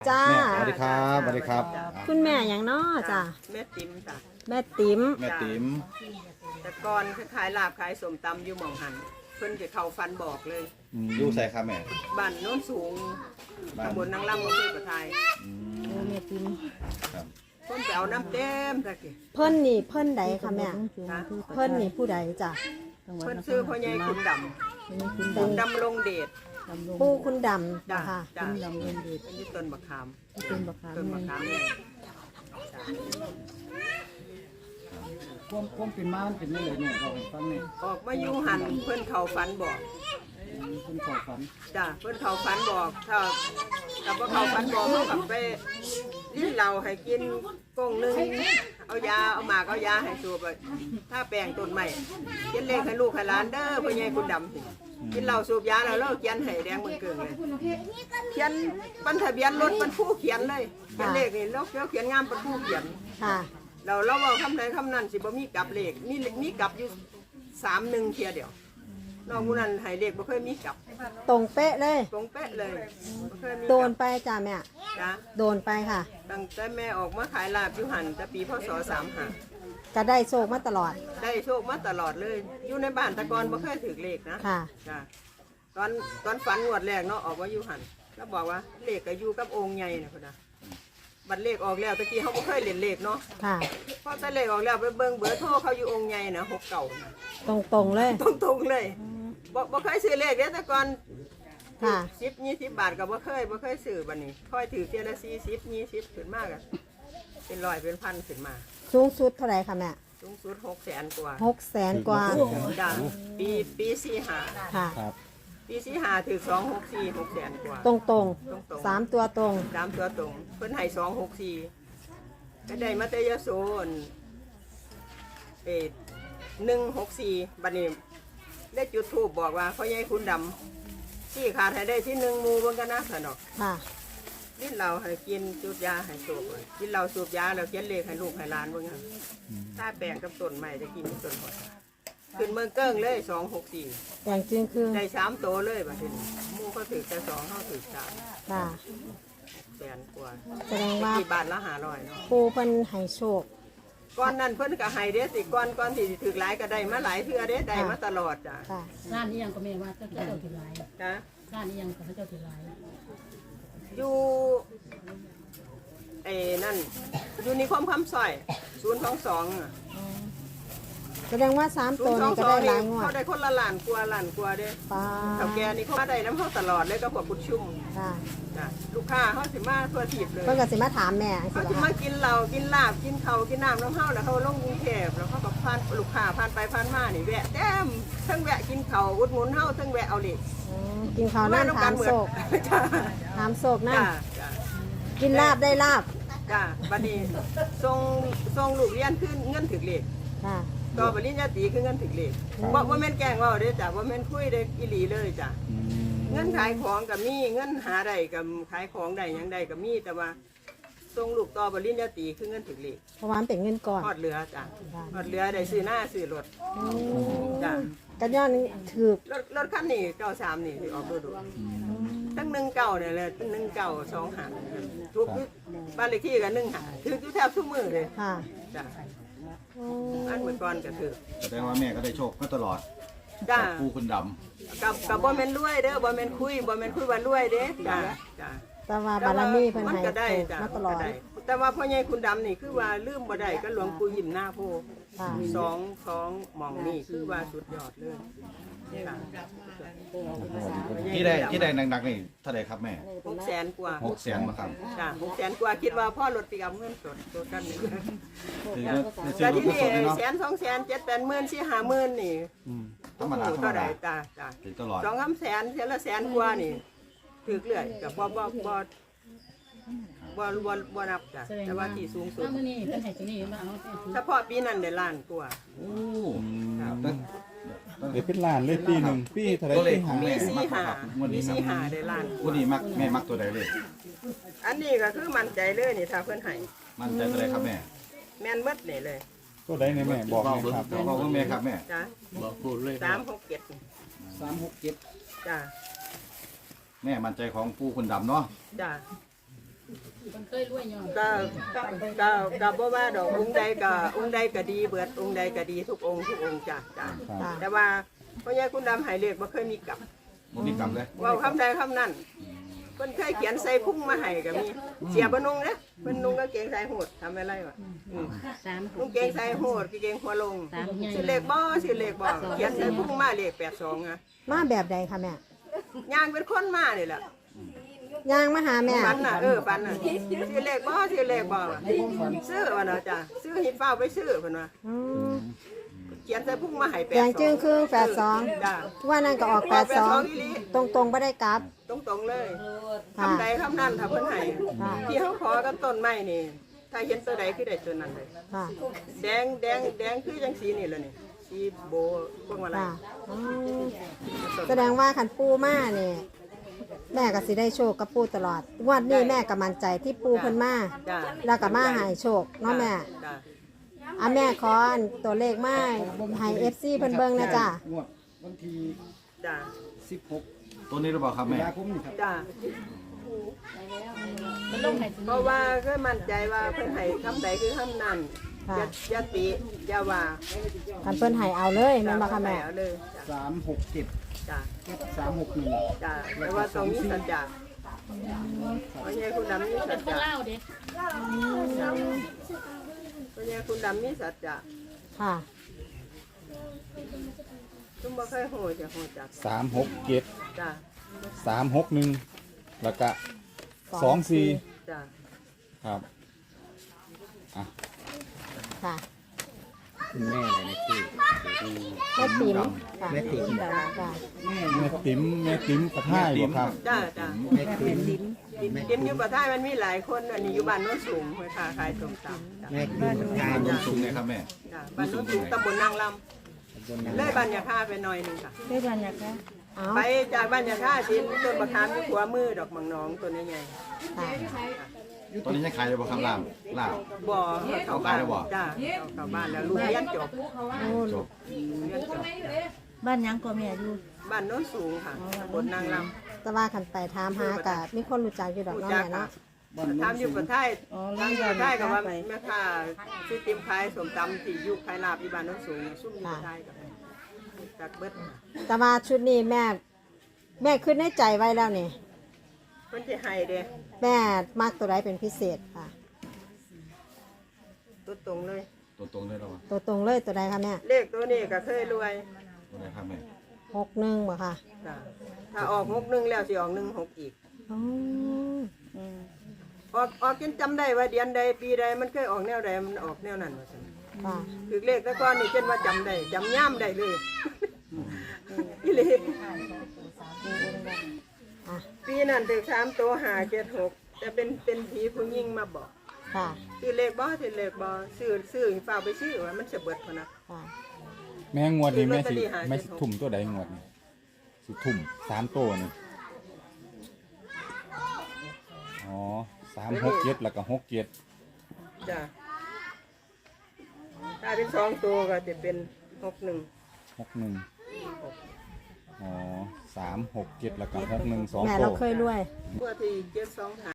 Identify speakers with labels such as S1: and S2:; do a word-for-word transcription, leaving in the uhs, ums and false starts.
S1: จ้า
S2: สวัสดีครับสวัสดีครับ
S1: คุณแม่อย่างน้อจ้า
S3: แม่ติ๋มจ้ะ
S1: แม่ติ๋ม
S2: แม่ติ๋ม
S3: แต่ก่อนขายลาบขายสมตำอยู่หม่องหันเพิ่นจะเข้าฟันบอกเลย
S2: อยู่ใส่ครับแม่
S3: บ้านโน้นสูง
S2: บ้าน
S3: ตำบลนางลำอำเภอประทาย
S1: โอ้แม่ติ๋ม
S2: ครับ
S3: เพิ่นไปเอาน้ำเต็มตะกี้
S1: เพิ่นนี่เพิ่นใดคะแม่
S3: นะ
S1: เพิ่นนี่ผู้ใดจ้ะ
S3: เพิ่นซื้อพ่อใหญ่คุณดำคุณดำลงเดช
S1: ปู่คุณด
S3: จ้ะ
S1: ำค่ะ
S3: จ้ะดำลงเดชเป็นที่ต้นบักขาม
S4: ต้นบักขาม
S3: ต้นบักขามเนี่ย
S4: ความความเป็นม้านเป็นนี่เลยเนี่ยเราให้ฟังเนี่ย
S3: ออกมาอยู่หันเพิ่นเข้าฟันบอก
S4: คุณขอฝัน
S3: จ้ะเพิ่นเข้าฟันบอกถ้าถ้าบ่เข้าฟันบอกเขากลับไปลิ้นเราให้กินกงหนึงเอายาเอาหมากเอายาให้สูบอะถ้าแปลงต้นใหม่เขียนเลขให้ลูกให้หลานเด้อพ่อใหญ่คุณดำสิกินเหล้าสูบยาแล้วเราเขียนให้แดงเหมือนเกิงเลยเขียนบันทะเบียนรถบรรทุกเขียนเลยเขียนเลขนี่เราเขียนงามบรรทุกเขียน
S1: ค่ะ
S3: เราเราเอาคำใดคำนั้นสิบ่มีกลับเลขมีมีกลับอยู่สามหนึ่งเทียเดียวนอกนั้นให้เลขบ่เคยมีกลับ
S1: ตรงเป๊ะเลย
S3: ตรงเป๊ะเลยบ่เคยมีกลับ
S1: โดนไปจ้าแม่
S3: จ้ะ
S1: โดนไปค่ะ
S3: ตั้งแต่แม่ออกมาขายลาบอยู่หันแต่ปีพศสามห้า
S1: ก็ได้โชคมาตลอด
S3: ได้โชคมาตลอดเลย อยู่ในบ้านแตะกอนบ่เคยถือเลขนะ
S1: ค่ะ
S3: จ้ะตอนตอนฝันงวดแรกเนาะออกว่าอยู่หันแล้วบอกว่าเลขก็อยู่กับองค์ใหญ่นะพุ่นน่ะบัตรเลขออกแล้วตะกี้เขาบ่เคยเล่นเลขเนาะ
S1: ค่ะ
S3: พอแต่เลขออกแล้วไปเบิ่งเบอร์โทรเขาอยู่องค์ใหญ่นะหกเก่า
S1: ตรงตรงๆเลย
S3: ตรงๆเลยบ่บ่เคยซื้อเลขเด้แต่ก่อน
S1: ค่ะ
S3: สิบยี่สิบบาทก็บ่เคยบ่เคยซื้อบัดนี้ค่อยถือเทียละสี่สิบยี่สิบขึ้นมากอะเป็นร้อยเป็นพันขึ้นมา
S1: สูงสุดเท่าไหร่คะแม่
S3: สูงสุดหกแสนกว่า
S1: หกแสนกว่า
S3: จ้ะปีปีสี่ห้า
S1: ค่ะ
S2: ครับ
S3: ปีสี่ห้าถือสองหกสี่หกแสนกว่า
S1: ตรงตรง
S3: ตรงๆ
S1: สามตัวตรง
S3: ตามตัวตรงเพิ่นให้สองหกสี่ก็ได้มาเตยโซนเอ็ดหนึ่งหกสี่บัดนี้ได้จุดทูบบอกว่าพ่อใหญ่คุณดำที่ขาดให้ได้ที่หนึ่งหมูเบิ่งกันนะสนอก
S1: ค่ะ
S3: กินเราให้กินจุดยาให้สูบเลยกินเราสูบยาแล้วเขียนเลขให้ลูกให้หลานเบิ่งกันถ้าแปลงกับต้นใหม่จะกินต้นหมดขึ้นเมืองเกิ้งเลยสองหกสี่
S1: แต่งจริงคือ
S3: ได้สามโตเลยบัดนี้หมูเขาถือแต่สองเขาถือสาม
S1: ค่ะ
S3: แสนกว่า
S1: แสดงว่า
S3: ที่บาทละห้าร้อยเนาะ
S1: ปูเพิ่นให้โชค
S3: ก้อนนั้นเพิ่นก็ให้เด้สิก้อนก้อนที่สิถือหลายก็ได้มาหลายเทื่อเด้ได้มาตลอดจ้ะ
S1: ค่ะ
S4: ร้านนี้ยังก็แม่ว่าเจ้าเจ้าถือลาย
S3: นะ
S4: ร้านนี้ยังก็เจ้าถือลาย
S3: อยู่เอ้นั่นอยู่นิคมคำสร้อยศูนย์สองสอง
S1: แสดงว่าสาม
S3: ศู
S1: ตัวน
S3: ย์สอ
S1: นี้
S3: ง
S1: ก็
S3: สอ
S1: ได้
S3: ง
S1: ห
S3: นี่
S1: ลายงวด
S3: เขาได้คนละล้านกว่าล้านกว่าเด้
S1: ป้า
S3: เฒ่าแก่นี่เขามาได้น้ำเขาตลอดเลยก็พวกกุดชุ่ม
S1: ค่ะ
S3: จ้ะลูกค้าเขาสิมาทั่วทิพย์เลย
S1: เพิ่นก็สิมาถามแม่สิ
S3: เขา
S1: บ่
S3: สิ
S1: คะ
S3: มากินเหล้ากินลาบกินข้าวกินน้ำน้ำเฮาแล้วเขาลงกรุงเทพแล้วเขาก็ผ่านลูกค้าผ่านไปผ่านมานี่แวะแต้มทั้งแวะกินข้าวอุดหนุนเฮาทั้งแวะเอาเหล็ก
S1: อืมกินข้าวนั่นถามโศก
S3: จ้า
S1: ถามโศกนั่น
S3: จ้าจ้า
S1: กินลาบได้ลาบ
S3: จ้าบัดนี้ส่งส่งลูกเรียนขึ้นเงินถึกเหล็ก
S1: ค่ะ
S3: ต่อปริญญาตรีคือเงินถึกเหล็กบ่บ่แม่นแกล้งเว้าเด้อจ้ะบ่แม่นคุยเด้ออีหลีเลยจ้ะเงินขายของก็มีเงินหาได้ก็ขายของได้หยังได้ก็มีแต่ว่าส่งลูกต่อปริญญาตรีคือเงินถึกเหล็ก
S1: เพราะว่ามันเป็นเงินก่อน
S3: ทอดเรือจ้ะทอดเรือได้ซื้อหน้าซื้อรถจ้ะ
S1: กันย้อนถือ
S3: รถรถคันนี้เก้าสามนี่ที่ออกดูดูตั้งหนึ่งเก้าเนี่ยเลยตั้งหนึ่งเก้าสองหันทุกบ้านเลขที่กันหนึ่งหันถืออยู่แทบทุกมือเลย
S1: ค่ะ
S3: จ้ะ
S1: อืม
S3: อันเมื่อก่อนก็ถือ
S2: แสดงว่าแม่ก็ได้โชคมาตลอด
S3: จ้ะ
S2: ปูคุณด
S3: กับกับบ่แม่นรวยเด้อบ่แม่นคุยบ่แม่นคุยว่ารวยเด้จ้ะจ้ะ
S1: แต่ว่าบารมีเพิ่น
S3: มัน
S1: ให้
S3: ก็ได้
S1: โชค
S3: จ้ะ
S1: มาตลอด
S3: ก็ได้แต่ว่าพ่อใหญ่คุณดำนี่คือว่าลืมบ่ได้ก็หลวงปู่ยิ้มหน้าโพ
S1: ค่ะ
S3: สองสองหมองนี่คือว่าสุดยอดเลยจ้ะ
S2: ำที่ได้ที่ได้หนักๆนี่เท่าไหร่ครับแม่
S3: หกแสนกว่า
S2: หกแสนมาครับ
S3: จ้ะหกแสนกว่าคิดว่าพ่อรถปีกับเงินสดตัวกันนี่
S2: คือได้ซื้
S3: แต่
S2: อรถ
S3: ที่
S2: กุ
S3: นี่
S2: ศลเนาะ
S3: แสนสองแสนเจ็ดแปดหมื่นสี่ห้าหมื่นนี่
S2: ธรรมดาธรรม
S3: ก็ได้
S2: ดา
S3: จ้ะจ้ะ
S2: ถึงตลอด
S3: สองคำแสนเท่าละแสนกว่านี่ถือเรื่อยกับบ่บ่บ่บ่บ่บ่นับจ้ะแต่ว่าที่สูงสุด
S4: ถ้ามื้อนี้เป็นให้ตัวนี้มาเอา
S3: เฉพาะปีนั้นได้ล้านกว่า
S2: โอ้ครับตั้ง
S5: เดี๋ยวเป็นล้านเลยปีหนึ่งปีเท่าไหร
S2: ตัวเลข
S5: ปี
S2: ขอ
S5: หาง
S3: ปี
S2: แม่
S3: สี่
S2: มัก
S3: ห้า
S2: ครับงวด
S3: ปี
S2: นี้
S3: สี่
S2: ค
S3: ห้า
S2: รับ
S3: ได้ล้านก
S2: งวด
S3: ว่า
S2: นี้มักแม่มักตัวใดเลย
S3: อันนี้ก็คือมั่นใจเลยนี่ถ้าเพิ่นให้
S2: มั่นใจตัวใดครับแม่
S3: แม่นเบิดนี่เลย
S5: ก็ได้ในแม่บอกหน่อยครับ
S2: บอกว่าแม่ครับแม่
S3: จ้ะ
S6: บอกพูดเลย
S3: สามหกเจ็ด
S4: สามหกเจ็ด
S3: จ้ะ
S2: แม่มั่นใจของปูคุณดำเนาะ
S3: จ้ะ
S6: เคยรวยย้อน
S3: ก็ก็ก็ก็บ่ว่าดอกองค์ใดก็องค์ใดก็ดีเบิดองค์ใดก็ดีทุกองค์ทุกองค์จ้ะจ้ะ
S1: ค่ะ
S3: แต่ว่าพ่อใหญ่คุณดำให้เลขบ่เคยมีกลับ
S2: บ่มีกรรมเลย
S3: เว้าคำใดคำนั้นเพิ่นเคยเขียนใส่พุ่งมาให้ก็มีเสียบ่นุ่งเด้เพิ่นนุ่งกางเกงสายโหดทำอะไรวะอืม
S6: สาม
S3: นุ่งเกงสายโหดกางเกงหัวลง
S6: สามใหญ่
S3: สิเลขบ่สิเลขบ่เขียนใส่พุ่งมาเลขแปดสองอ่ะ
S1: มาแบบใดคะแม่
S3: ย่างเป็นคนมานี่แหละ
S1: ย่างมาหาแม่
S3: ปันน่ะเออปันน่ะสิเลขบ่สิเลขบ่วะซื้อว่าเนาะจ้ะซื้อหิบเฝ้าไปซื้อเพิ่นว่า
S1: อืม
S3: เขียนใส่พุ่งมาให้แปด
S1: แด
S3: สอง
S1: งจึงครึ่งแปดสอง
S3: จ้ะ
S1: ว่านั่นก็ออกแปดสองตรงตรงๆไม่ได้กลับ
S3: ตรงๆเลย
S1: ค่ะ
S3: คำใดคำนั้นถ้าเพิ่นให้
S1: ค่ะ
S3: ที่เขาขอกับต้นไม้นี่ ถ้าเห็นตัวใดคือได้ตัวนั้นเลย
S1: ค่ะ
S3: แดงแดงแดงคือจังสีนี่แหละนี่สีโบพวกอะไร
S1: ค่ะอืมแสดงว่าขันปูมาเนี่ยแม่ก็สิได้โชคกับปูตลอดงวันนี้แม่ก็มั่นใจที่ปูเพิ่นมา
S3: จ้า
S1: แล้วก็มาใหายโชคเนาะแม่
S3: จ้า
S1: อ่ะแม่ขออันตัวเลขมาให้เอฟซีเพิ่นเบิ่งนะจ้ะ
S4: งวดวันที่
S3: จ้า
S4: สิบหก
S2: ตัวนี้หรือเปล่าครับ
S4: ตุ
S2: แม่
S4: ลาคมนี่ครับ
S3: จ้า
S6: มันลงให้
S3: เพราะว่าก็มั่นใจว่าเพิ่นให้คำใดคือคำนั้น
S1: ค่ะ
S3: อย่าอย่าติอย่าว่า
S1: คันเพิ่นให้เอาเลยแม่นบ่
S3: จ้า
S1: คะแม่
S3: เอาเลย
S4: สามหกเจ็ด
S3: จ้า
S4: สามหกหนึ่ง
S3: จ้าแต่ว่าตรงนี้สัจจะเพราะงี้คุณดำมีสัจ
S6: คน
S3: จะ
S6: เล่าเด้
S3: เพราะงี้คุณดำมีสัจจะ
S1: ค่ะ
S3: ตุ้มบ่เคยโหจะโหจัก
S5: สามหกเจ็ด
S3: จ้า
S5: สามหกหนึ่งแล้วก็สองสี่
S3: จ้า
S5: ครับอ่ะ
S1: ค่ะ
S7: คุณแม่อะไรนะพี่
S1: แม่ติ๋มค่ะ
S7: แม่ติ๋ม
S1: จ้ะ
S5: แม่ติ๋มแม่ติ๋มกระท่ายบ่ครับ
S3: จ้าจ้า
S7: แม่ติ๋ม
S3: กินอยู่ประเทศมันมีหลายคนอันนี้อยู่บ้านโน้นสูงเพื่อค้าขายส้มตำจ้ะ
S7: แม่ติ๋มกาย
S2: ต้นสูงเลยครับแม่
S3: จ้ะบ้านโน้นสูงตำบลนางลำเลยบ้านยาค่าไปหน่อยหนึงค่ะ
S1: เอา
S3: ไปจากบ้านยาค่าชิ้นต้นประคามที่หัวมือดอกมังนองตัวนี้ไง
S1: ค่ะ
S2: ตัวนี้ยังขายอยู่บ่ครับลาบลาบ
S3: บ่อเข้าบ้าน
S2: เอาขายแล้วบ่
S3: จ้าเอาเข้าบ้านแล้วลูกเรียนจบ
S1: โอ้
S2: จบ
S3: เรียนจบ
S6: บ้านยังก็แม่อยู่
S3: บ้านโน้นสูงค่ะตำบลนางล
S1: แต่ว่าคันไปถามหากะมีคนรู้จักอยู่ดอก
S3: ำ
S1: เนาะ
S3: จั
S1: แม่เนาะ
S3: ทำอยู่ประเทศทำอยู่ประเทศกับว่าแม่ค้าซื้อติมขายส้มตำที่อยุคขายลาบอยู่บ้านโน้นสูงซุ่มอยู่ประเทศกับจากเบิด
S1: แต่ว่าชุดนี้แม่ แม่ขึ้นในใจไว้แล้วนี่
S3: เพิ่นสิให้เด้
S1: แม่มากตัวใดเป็นพิเศษค่ะ
S3: ตัวตรงเลย
S2: ตัวตรงเลยเหรอวะ
S1: ตัวตรงเลยตัวใดคะแม่
S3: เลขตัวนี้ก็เคยรวย
S2: ตัวไหนครับแม่
S1: หกหนึ่งบ่ค่ะ
S3: จ้ะถ้าออกหกหนึ่งแล้วสิออกหนึ่งหกอีก
S1: อ๋อ
S3: ออกออกจนจำได้ว่าเดือนใดปีใดมันเคยออกแนวใดมันออกแนวนั้นว่าซั่น
S1: ค่ะ
S3: คือเลขแต่ก่อนนี่เช่นว่าจำได้จำย่ำได้เลยอีหลี
S1: อ่ะ
S3: ปีนั้นถึงสามตัวหาเจ็ดหกแต่เป็นเป็นผีผู้หญิงมาบอก
S1: ค่ะ
S3: คือเลขบ่คือเลขบ่ซื้อซื้อฝากไปซื้อว่ามันจะเบิดพอนะ
S1: ค่ะ
S5: แม่งวดนี้แม่สิ
S3: ลอตเตอรี่หา
S5: แม่สิทุ่มตัวใดงวดนี้สิทุ่มสามตัวนี่อ๋อสามหกเจ็ดแล้วก็หกเจ็ด
S3: จ้ะถ้าเป็นสองตัวก็จะเป็นหกหนึ่ง
S5: หกหนึ่งอ๋อสามหกเจ็ดแล้วก็หกหนึ่งสอง
S1: แม่
S5: ตั
S1: เรา
S5: ว
S1: เคยรวย
S3: ตัวที่เจ็ดสองหา